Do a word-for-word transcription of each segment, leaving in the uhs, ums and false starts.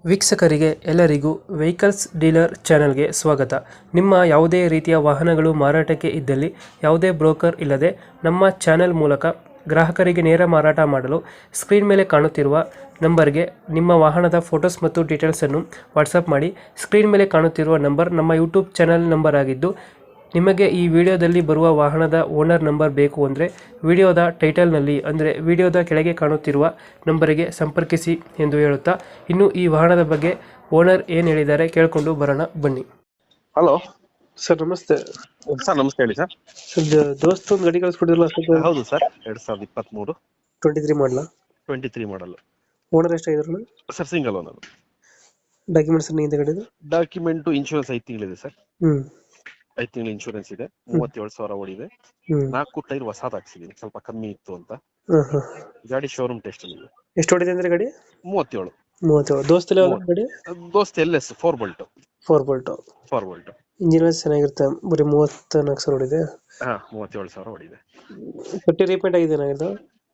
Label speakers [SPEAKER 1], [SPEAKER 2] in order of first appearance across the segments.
[SPEAKER 1] ವೀಕ್ಷಕರಿಗೆ ಎಲ್ಲರಿಗೂ vehicles dealer ಚಾನೆಲ್ಗೆ ಸ್ವಾಗತ. ನಿಮ್ಮ ಯಾವುದೇ ರೀತಿಯ ವಾಹನಗಳು ಮಾರಾಟಕ್ಕೆ ಇದ್ದಲ್ಲಿ ಯಾವುದೇ ಬ್ರೋಕರ್ ಇಲ್ಲದೆ ನಮ್ಮ ಚಾನೆಲ್ ಮೂಲಕ ಗ್ರಾಹಕರಿಗೆ ನೇರ ಮಾರಾಟ ಮಾಡಲು ಸ್ಕ್ರೀನ್ ಮೇಲೆ ಕಾಣುತ್ತಿರುವ ನಂಬರ್ಗೆ ನಿಮ್ಮ ವಾಹನದ ಫೋಟೋಸ್ ಮತ್ತು ಡೀಟೇಲ್ಸನ್ನು ವಾಟ್ಸಪ್ ಮಾಡಿ. ಸ್ಕ್ರೀನ್ ಮೇಲೆ ಕಾಣುತ್ತಿರುವ ನಂಬರ್ ನಮ್ಮ ಯೂಟ್ಯೂಬ್ ಚಾನೆಲ್ ನಂಬರ್ ಆಗಿದ್ದು, ನಿಮಗೆ ಈ ವಿಡಿಯೋದಲ್ಲಿ ಬರುವ ವಾಹನದ ಓನರ್ ನಂಬರ್ ಬೇಕು ಅಂದರೆ ವಿಡಿಯೋದ ಟೈಟಲ್ನಲ್ಲಿ ಅಂದರೆ ವಿಡಿಯೋದ ಕೆಳಗೆ ಕಾಣುತ್ತಿರುವ ನಂಬರಿಗೆ ಸಂಪರ್ಕಿಸಿ ಎಂದು ಹೇಳುತ್ತಾ, ಇನ್ನು ಈ ವಾಹನದ ಬಗ್ಗೆ ಓನರ್ ಏನು ಹೇಳಿದ್ದಾರೆ ಕೇಳಿಕೊಂಡು ಬರೋಣ ಬನ್ನಿ.
[SPEAKER 2] ಹಲೋ
[SPEAKER 1] ಸರ್ ನಮಸ್ತೆ.
[SPEAKER 2] ಸರ್ ನಮಸ್ತೆ, ಹೇಳಿ ಸರ್.
[SPEAKER 1] ಸರ್ ದೋಸ್ತ ಒಂದು ಗಾಡಿ ಕಳಿಸ್ಕೊಟ್ಟಿದ್ರಲ್ಲ,
[SPEAKER 2] ಹೌದು ಸರ್, ಎರಡ್ ಸಾವಿರದ ಇಪ್ಪತ್ತ್ ಮೂರು
[SPEAKER 1] twenty three model
[SPEAKER 2] twenty three model
[SPEAKER 1] owner ಎಷ್ಟಾಗಿದ್ರು
[SPEAKER 2] ಸರ್? Single owner.
[SPEAKER 1] ಡಾಕ್ಯುಮೆಂಟ್ಸ್ ಹಿಂದೆ ಗಾಡಿದು
[SPEAKER 2] ಡಾಕ್ಯುಮೆಂಟ್ ಇನ್ಶೂರೆನ್ಸ್ ಐದು ತಿಂಗಳಿದೆ ಸರ್.
[SPEAKER 1] ಹ್ಮ್
[SPEAKER 2] ಐದು ತಿಂಗಳ ಇನ್ಶೂರೆನ್ಸ್ ಇದೆ. ಮೂವತ್ತೇಳು ಸಾವಿರ ಓಡಿದೆ.
[SPEAKER 1] ಹ್ಮ್
[SPEAKER 2] ನಾಲ್ಕು ಟೈರ್ ಹೊಸಾದ್ ಹಾಕ್ಸಿದೀನಿ, ಸ್ವಲ್ಪ ಕಮ್ಮಿ ಇತ್ತು ಅಂತ.
[SPEAKER 1] ಹಾ ಹಾ
[SPEAKER 2] ಗಾಡಿ ಶೋರೂಮ್ ಟೆಸ್ಟ್ ಇದೆ.
[SPEAKER 1] ಎಷ್ಟು ಹೊಡಿದೆ ಅಂದ್ರೆ ಗಾಡಿ?
[SPEAKER 2] ಮೂವತ್ತೇಳು.
[SPEAKER 1] ಮೂವತ್ತೇಳು. ದೋಸ್ತಲ್ಲಿ ಯಾವ್ದು ಗಾಡಿ?
[SPEAKER 2] Dost L S four bolt.
[SPEAKER 1] Four bolt.
[SPEAKER 2] Four bolt
[SPEAKER 1] engine ಚೆನ್ನಾಗಿರುತ್ತೆ. ಬರೀ ಮೂವತ್ತ ನಾಲ್ಕು ಸಾವಿರ ಹೊಡಿದೆ.
[SPEAKER 2] ಹಾ, ಮೂವತ್ತೇಳು ಸಾವಿರ ಓಡಿದೆ.
[SPEAKER 1] ತೊಟ್ಟಿ ರೀಪೇಂಟ್ ಆಗಿದೆ ಏನಾಗಿದ್ದು?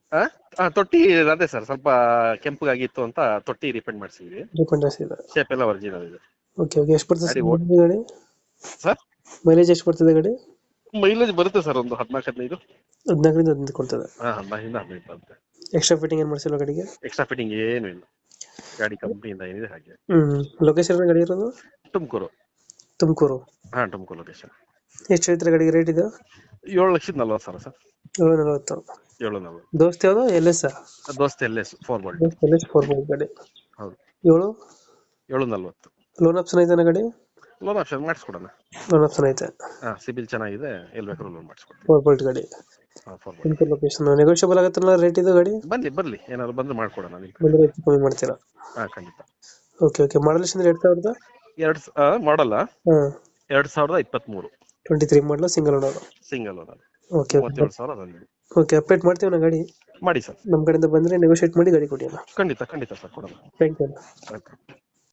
[SPEAKER 2] ಹಾ, ತೊಟ್ಟಿ ಅದೇ ಸರ್, ಸ್ವಲ್ಪ ಕೆಂಪಗಾಗಿತ್ತು ಅಂತ ತೊಟ್ಟಿ ರಿಪೇಂಟ್ ಮಾಡಿಸಿದ್ವಿ.
[SPEAKER 1] ರೀಪೇಂಟ್ ಆಗಿದೆ.
[SPEAKER 2] ಶೇಪ್ ಎಲ್ಲ ಒರಿಜಿನಲ್ ಇದೆ.
[SPEAKER 1] Okay okay. ಎಷ್ಟು ಬರ್ತದೆ
[SPEAKER 2] ಗಾಡಿ
[SPEAKER 1] ಸರ್ ಗಾಡಿ?
[SPEAKER 2] ಸರ್
[SPEAKER 1] ಮೈಲೇಜ್ ಎಷ್ಟು ಬರ್ತದೆ ಗಾಡಿ?
[SPEAKER 2] ಮೈಲೇಜ್ ಬರುತ್ತೆ ಸರ್, ಒಂದು ಹದಿನಾಲ್ಕು ಹದಿನೈದು.
[SPEAKER 1] ಹದಿನಾಲ್ಕರಿಂದ ಹದಿನೈದು ಕೊಡ್ತದೆ.
[SPEAKER 2] ಹಾ, ಹದಿನಾಲ್ಕರಿಂದ ಹದಿನೈದು ಬರುತ್ತೆ.
[SPEAKER 1] ಎಕ್ಸ್ಟ್ರಾ ಫಿಟ್ಟಿಂಗ್ ಏನು ಮಾಡಿಸಿಲ್ಲ ಗಾಡಿಗೆ?
[SPEAKER 2] ಎಕ್ಸ್ಟ್ರಾ ಫಿಟ್ಟಿಂಗ್ ಏನು ಇಲ್ಲ, ಗಾಡಿ ಕಂಪ್ನಿಯಿಂದ ಏನಿದೆ ಹಾಗೆ.
[SPEAKER 1] ಹ್ಮ್ ಲೊಕೇಶನ್ ಗಾಡಿ ಇರೋದು?
[SPEAKER 2] ತುಮಕೂರು.
[SPEAKER 1] ತುಮಕೂರು.
[SPEAKER 2] ಹಾ, ತುಮಕೂರು ಲೊಕೇಶನ್.
[SPEAKER 1] ಎಷ್ಟು ಹೇಳ್ತಾರೆ ಗಾಡಿಗೆ ರೇಟ್ ಇದು?
[SPEAKER 2] ಏಳು ಲಕ್ಷದ ನಲ್ವತ್ತು ಸಾವಿರ ಸರ್.
[SPEAKER 1] ಏಳು ನಲವತ್ತು.
[SPEAKER 2] ಏಳು ನಲ್ವತ್ತು.
[SPEAKER 1] ದೋಸ್ತ್ ಯಾವುದು? L S?
[SPEAKER 2] Dost L S four bolt.
[SPEAKER 1] Dost L S four bolt ಗಾಡಿ.
[SPEAKER 2] ಹೌದು.
[SPEAKER 1] ಏಳು
[SPEAKER 2] ಏಳು ನಲ್ವತ್ತು.
[SPEAKER 1] ಲೋನ್ ಆಪ್ಷನ್ ಐತೆ ಗಾಡಿ?
[SPEAKER 2] ಲೋನ್ ಆಪ್ಷನ್ ಮಾಡಿಸ್ಕೊಡೋಣ.
[SPEAKER 1] ಲೋನ್ ಆಪ್ಷನ್ ಐತೆ.
[SPEAKER 2] ಹಾ, ಸಿಬಿಲ್ ಚೆನ್ನಾಗಿದೆ, ಎಲ್ಲಿ ಬೇಕಾದ್ರೂ ಲೋನ್ ಮಾಡಿಸ್ಕೊಡ್ತೀವಿ.
[SPEAKER 1] ಫೋರ್ ಬೋಲ್ಟ್ ಗಾಡಿ.
[SPEAKER 2] ಹಾ, four bolt.
[SPEAKER 1] Tumakuru location. Negotiable ಆಗುತ್ತಲ್ಲ ರೇಟ್ ಇದು ಗಾಡಿ?
[SPEAKER 2] ಬನ್ನಿ ಬರ್ಲಿ, ಏನಾದ್ರು ಬಂದು ಮಾಡ್ಕೊಡೋಣ ನಿಮ್ಗೆ.
[SPEAKER 1] ಬಂದರೆ ಹೆಚ್ಚು ಕಮ್ಮಿ ಮಾಡ್ತೀರಾ?
[SPEAKER 2] ಹಾ, ಖಂಡಿತ.
[SPEAKER 1] Okay okay. ಮಾಡಲ್ ಎಷ್ಟು ಎರಡು ಸಾವಿರದ
[SPEAKER 2] ಎರಡ್ ಮಾಡಲ್ಲ
[SPEAKER 1] ಹಾಂ
[SPEAKER 2] ಎರಡ್ ಸಾವಿರದ ಇಪ್ಪತ್ತ್ ಮೂರು.
[SPEAKER 1] Twenty three model single owner.
[SPEAKER 2] Single owner.
[SPEAKER 1] Okay
[SPEAKER 2] ಮೂವತ್ತೇಳು ಸಾವಿರ ಬಂದಿದೆ.
[SPEAKER 1] ಓಕೆ. ಅಪ್ಡೇಟ್ ಮಾಡ್ತೀವಿ ನಾ ಗಾಡಿ.
[SPEAKER 2] ಮಾಡಿ ಸರ್.
[SPEAKER 1] ನಮ್ಮ ಕಡೆಯಿಂದ ಬಂದರೆ ನೆಗೋಷಿಯೇಟ್ ಮಾಡಿ ಗಾಡಿ ಕೊಡಿ ಅಲ್ಲ.
[SPEAKER 2] ಖಂಡಿತ ಖಂಡಿತ ಸರ್, ಕೊಡೋಣ.
[SPEAKER 1] Thank you.
[SPEAKER 2] ಆಯ್ತು.